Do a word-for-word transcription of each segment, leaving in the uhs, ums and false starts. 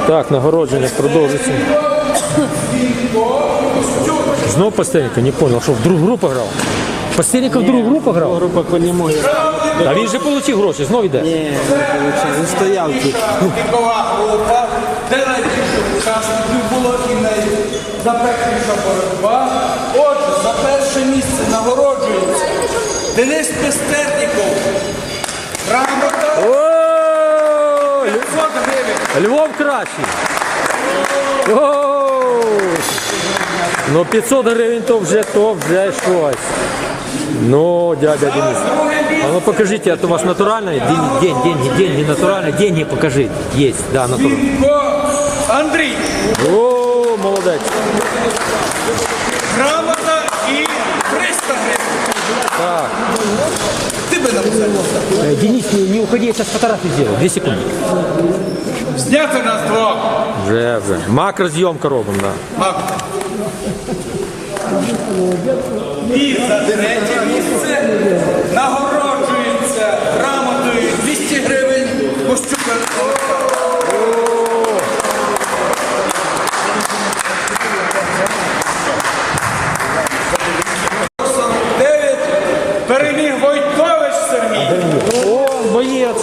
Так, нагородження продовжується. Знов Постельников, не понял, що в другу групу грав? Постельников в другу групу грав? Група по ньому. А він же отримав гроші, знов йде? Ні, не отримав, він стояв тут. Вікова група, де найбільше учасників було і найзапекліша боротьба. Отже, за перше місце нагороджується Денис Пестерніков. Грамота О, п'ятсот гривень. Львов кращий. О, ну п'ятсот гривень то вже, то вже щось. Ну, дядя Денис. А ну покажите, это у вас натуральные? День, деньги, деньги натуральные. Деньги покажите. Есть, да, натуральные. Вінко Андрій. О, молодец. Грамота і триста гривень. Так. Ти би написав. Э, Денис, не, не уходи, я сейчас фотографию сделаю. Две секунды. Зняти нас двох. Вже, вже. Макрозйомка робимо, да. Мак. І за третє місце нагороджується грамотою двісті гривень Костюка Олександра. сорок дев'ять переміг Войтович Сергій. О, боец.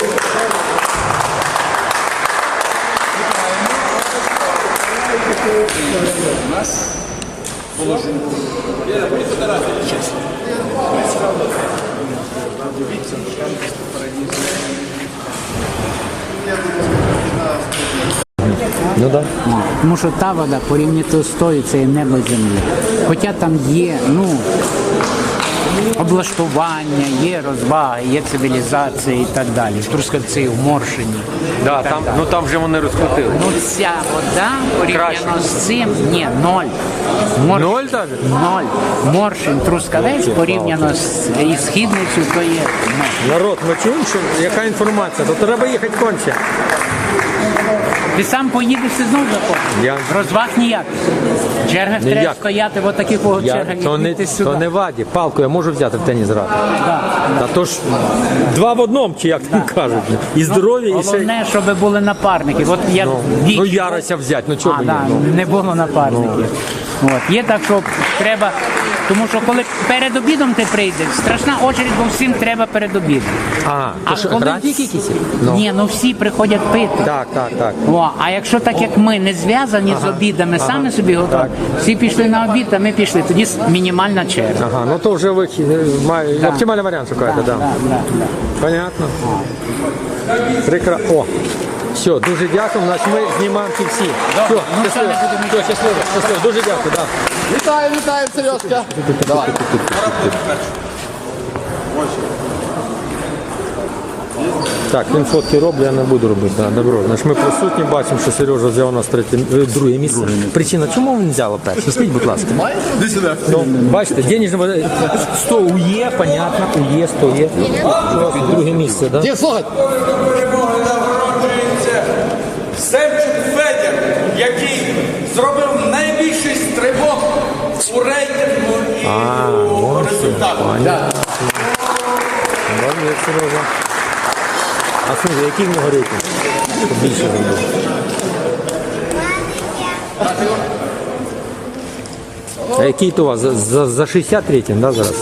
Ну да. Тому що та вода порівняно з тою, це є небо і земля. Хоча там є, ну, облаштування, є розваги, є цивілізація і так далі. В Трускавці, в Моршині. Да, і так там, далі. ну там вже вони розкрутили. Ну ця вода порівняно з цим, ні, ноль. Моршин, Ноль даже? Ноль. Моршин, Трускавець порівняно з і Східницю, то є ноль. Народ, ми чуємо, що яка інформація? То треба їхати конче. Ти сам поїдеш і знову заходиш. Я- Розваг ніяких. В чергах Ніяк. треба стояти в отаких от Я, чергах то, і не, йти сюди. то не ваді. Палку я можу взяти в теніс грати. Та то ж два в одному, чи як там кажуть. І здоров'я, і ще... Головне, щоб були напарники. От я Ну, вік- ну Ярося взяти, ну чого а, мені? да, Ну. не було напарників. От. Є так, що треба. Тому що коли перед обідом ти прийдеш, страшна очередь, бо всім треба перед обідом. А, то що, графік якийсь? Ну. Ні, ну всі приходять пити. Так, так, так. О, а якщо так як ми не зв'язані з обідами, самі собі готові, всі пішли на обід, а ми пішли, тоді мінімальна черга. Ага, ну то вже вихід, має, оптимальний варіант шукаєте, так. Да. Да, да, да. Понятно. Прикра... О, все, дуже дякую, значить ми знімаємо ті всі. Все, ну, щасливо, все, не будемо все, щасливо, щасливо, дуже дякую, да. Вітаю, вітаю, Сережка. Давай. Так, він фотки роблю, я не буду робити, да, добро. Значить, ми присутні, бачимо, що Сережа взяв у нас третє, е, друге місце. Причина, чому він взяв перше? Скажіть, будь ласка. Іди сюди. Ну, бачите, денежне сто ує, понятно, ує, сто є. Друге місце, да? Ді, слухай. Перемоги нагороджується Семчук Федір, який зробив найбільший стрибок у рейтингу і у результатах. Молодець, Сережа. А слухай, який в нього рейтинг? Щоб більше зробив. А який то у вас? За, за, за шістдесят рейтинг, да, зараз?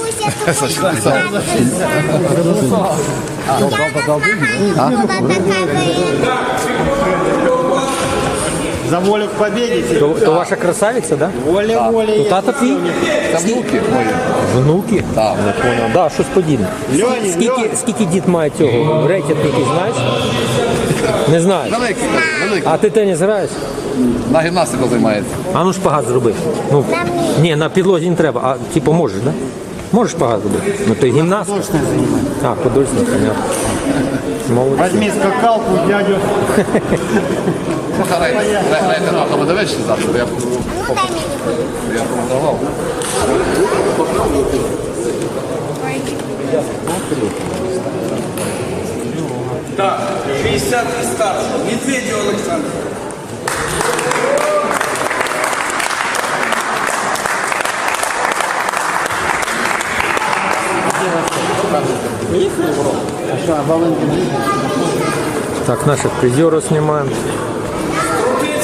За волю к победе. То, то ваша красавиця, да? Воля, воля. То тата твій? Це внуки мої. Внуки? Так. Не понял. Да, щось подібне. Льоні, Скільки, Льоні. скільки дід має цього? Рейтинг який, знаєш? Не знаєш. Великий, великий. А ти теніс граєш? На гімнастику займається. А ну шпагат зроби. Ну, ні, на підлозі не треба, а типу можеш, да? Можеш шпагат зробити? Ну то гімнаст. А, художник, понятно. Молодець. Возьми скакалку, дядю. Ну, харай, грайте на тому дивишся завтра, я я продавав. Так, шістдесят і старше. Медведєв Олександр. Так, наших призеров снимаем.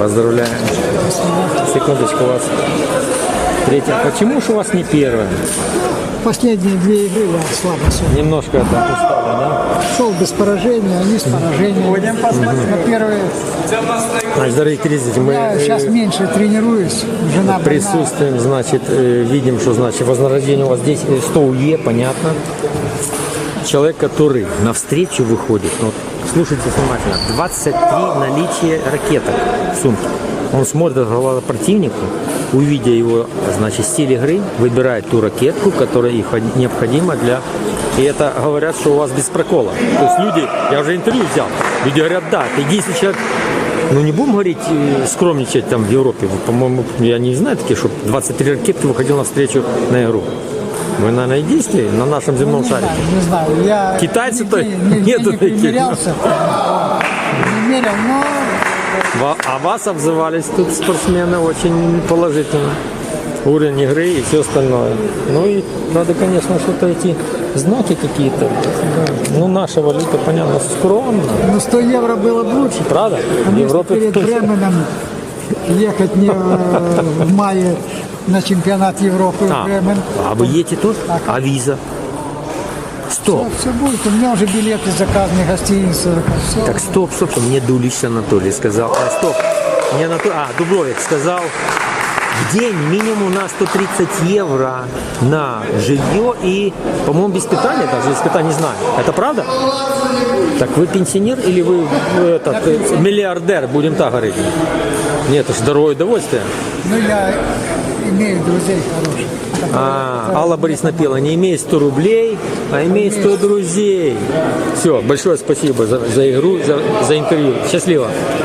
Поздравляем. Секундочку, у вас третья. Почему же у вас не первая? Последние две игры я слабо шел. Немножко это устали, да? Шел без поражения, они с поражением. На первые Значит, дорогие зрители, мы я э, сейчас меньше тренируюсь. Жена больна. присутствуем, значит, э, видим, что значит вознаграждение у вас здесь э, сто УЕ, понятно. Человек, который навстречу выходит, ну, вот, слушайте внимательно, двадцать три наличия ракеток в сумке. Он смотрит в глаза противнику, увидя его, значит, стиль игры, выбирает ту ракетку, которая их необходима для... И это говорят, что у вас без прокола. То есть люди, я уже интервью взял, люди говорят, да, ты единственный человек, ну не будем говорить, э, скромничать там в Европе, по-моему, я не знаю такие, что двадцать три ракетки выходил навстречу на игру. Вы, наверное, единственные на нашем земном Не шаре. знаю, не знаю. Я Китайцы-то нигде- нигде нету не таких. примерялся. Не мерил, но Ва- А вас обзывались тут спортсмены очень положительно. Уровень игры и все остальное. Ну и надо, конечно, что-то эти знаки какие-то. Ну, наша валюта, понятно, скромно. ну, сто евро было бы лучше. Правда? В Конечно, Европе перед Бременом ехать не э, в мае на чемпионат Европы в А, Бремен. а вы едете тут? А виза? Стоп. Все будет. У меня уже билеты заказаны, гостиницы. Все. Так, стоп, стоп, стоп. Мне Дулич Анатолий сказал. А, стоп. Мне Анатолий, а, Дубровик сказал, в день минимум на сто тридцать евро на жилье и, по-моему, без питания, даже без питания не знаю. Это правда? Так вы пенсионер или вы э, этот, э, миллиардер, будем так говорить? Нет, это же дорогое удовольствие. Ну, я имею друзей хороших. А, Алла Борисовна пела, не имей сто рублей, а имей сто друзей. Все, большое спасибо за, за игру, за, за интервью. Счастливо.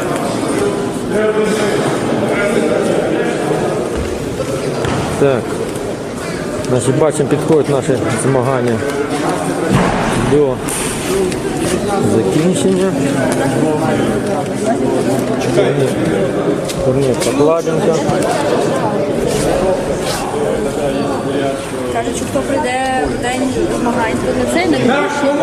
Так, значить, бачимо, підходять наші змагання до закінчення. Турнір, турнір Покладенка. Кажуть, що хто прийде в день змагань, то не цей не буде.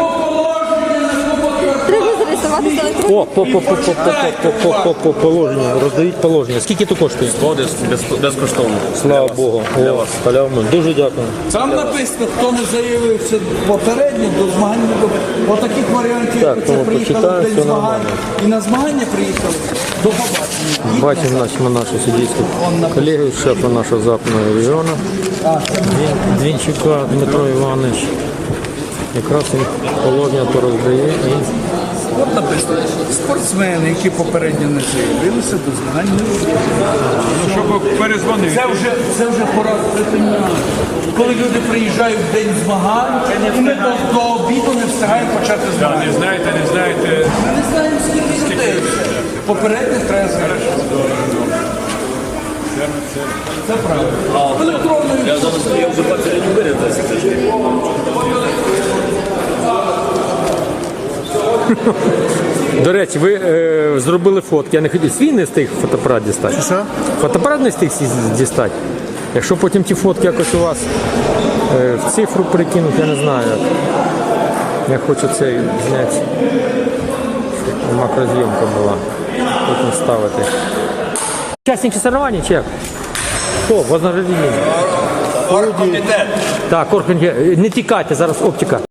Треба зареєструватися електронно. О, по, по, по, по, по, по, по, по, по положенню, роздають положення. Скільки то коштує? Безкоштовно. Слава Богу. Для вас. Дуже дякую. Там написано, хто не заявився попередньо до змагань. до- Отаких варіантів, Так, як це тому приїхали почитаю, в день все змагань. нормально. І на змагання приїхали. До побачення. Бачимо нашого нашу суддівську колегу, шефа нашого западного регіону, Двін- Двінчука Дмитро Іванович. Якраз він положення то роздає і От написано, спортсмени, які попередньо не заявилися до змагань. Щоб перезвонив. Це вже, це вже пора припиняти. Коли люди приїжджають в день змагань, і ми до, до обіду не встигаємо почати змагання. Не знаєте, не знаєте. Ми не знаємо, скільки людей. Попередньо треба згадати. Це правда. Електронною. Я зараз я вже бачу, не вирядився. До речі, ви е, зробили фотки. Я не хотів свій не встиг фотоапарат дістати. Що? Фотоапарат не встиг сі- дістати. Якщо потім ті фотки якось у вас е, в цифру прикинуть, я не знаю як. Я хочу це зняти, щоб макрозйомка була. Потім ставити. Учасники соревнований, чи як? Хто? Вознаграждення. Оргкомітет. Так, оргкомітет. Не тікайте, зараз оптика.